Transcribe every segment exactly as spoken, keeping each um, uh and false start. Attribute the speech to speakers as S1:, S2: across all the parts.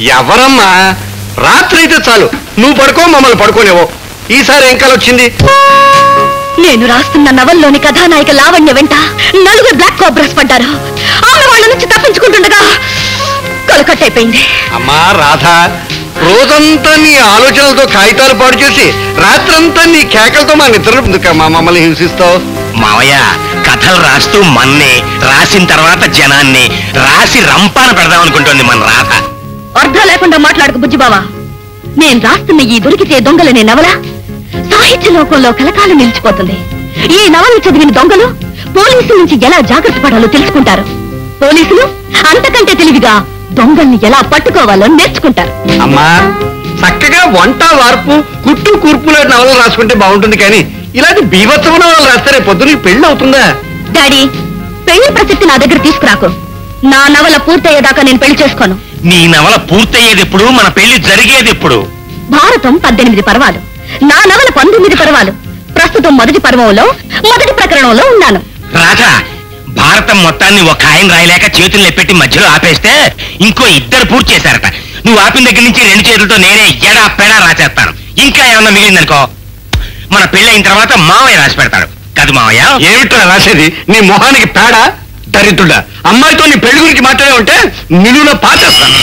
S1: ఎవరమ్మా? రాత్రి అయితే చాలు, నువ్వు పడుకో, మమ్మల్ని పడుకోనేవో. ఈసారి ఏం కల వచ్చింది?
S2: నేను రాస్తున్న నవల్లోని కథానాయిక లావణ్య వెంట నలుగురు బ్లాక్ కోబ్రాస్ పడ్డారు. ఆమె వాళ్ళ నుంచి తప్పించుకుంటుండగా కొలకట్టయిపోయింది.
S1: అమ్మా రాధా, రోజంతా నీ ఆలోచనలతో కాగితాలు పాడు చేసి రాత్రంతా నీ కేకలతో మా నిద్ర మా మమ్మల్ని హింసిస్తావు.
S3: మావయ్య కథలు రాస్తూ మన్నే, రాసిన తర్వాత జనాన్ని రాసి రంపాన పెడదాం అనుకుంటోంది మన రాధ.
S2: అర్థం లేకుండా మాట్లాడకు బుజ్జిబావా. నేను రాస్తున్న ఈ దొరికితే దొంగలనే నవల సాహిత్య లోకంలో కలకాలం నిలిచిపోతుంది. ఈ నవలు చదివిన దొంగలు పోలీసుల నుంచి ఎలా జాగ్రత్త పడాలో తెలుసుకుంటారు. పోలీసులు అంతకంటే తెలివిగా దొంగల్ని ఎలా పట్టుకోవాలో నేర్చుకుంటారు.
S1: అమ్మా, చక్కగా వంట వార్పు కుట్టు కూర్పుల నవలు రాసుకుంటే బాగుంటుంది, కానీ ఇలాంటి బీభత్సవ నవలు రాస్తే పొద్దు నీకు పెళ్లి అవుతుందా?
S2: డాడీ, పెళ్లి ప్రసక్తి నా దగ్గర తీసుకురాకు. నా నవల పూర్తయ్యేదాకా నేను పెళ్లి చేసుకోను.
S3: నీ నవల పూర్తయ్యేది ఎప్పుడు? మన పెళ్లి జరిగేది ఎప్పుడు?
S2: భారతం పద్దెనిమిది పర్వాలు, నా నవల పంతొమ్మిది పర్వాలు. ప్రస్తుతం మొదటి పర్వంలో మొదటి ప్రకరణంలో ఉన్నాను.
S3: రాధా, భారతం మొత్తాన్ని ఒక ఆయన రాయలేక చేతులు ఎప్పెట్టి మధ్యలో ఆపేస్తే ఇంకో ఇద్దరు పూర్తి చేశారట. నువ్వు ఆపిన దగ్గర నుంచి రెండు చేతులతో నేనే ఎడా పెడా రాసేస్తాను. ఇంకా ఏమన్నా మిగిలిందనుకో, మన పెళ్లి అయిన తర్వాత మావయ్య రాసి పెడతాడు. కాదు మావయ్య?
S1: ఏమిట్రా రాసేది? నీ మొహానికి పేడ దరిద్రుడా. అమ్మాయితో నీ పెళ్లి గురించి మాట్లాడే ఉంటే నిలువున పాచేస్తాను.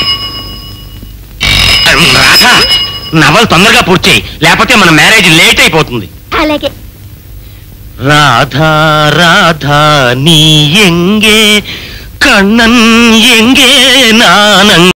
S3: రాధా, నవలు తొందరగా పూర్తి చేయి, లేకపోతే మన మ్యారేజ్ లేట్ అయిపోతుంది.
S2: అలాగే.
S3: రాధా రాధా నీ ఎంగే కണ്ണన్ ఎంగే నానం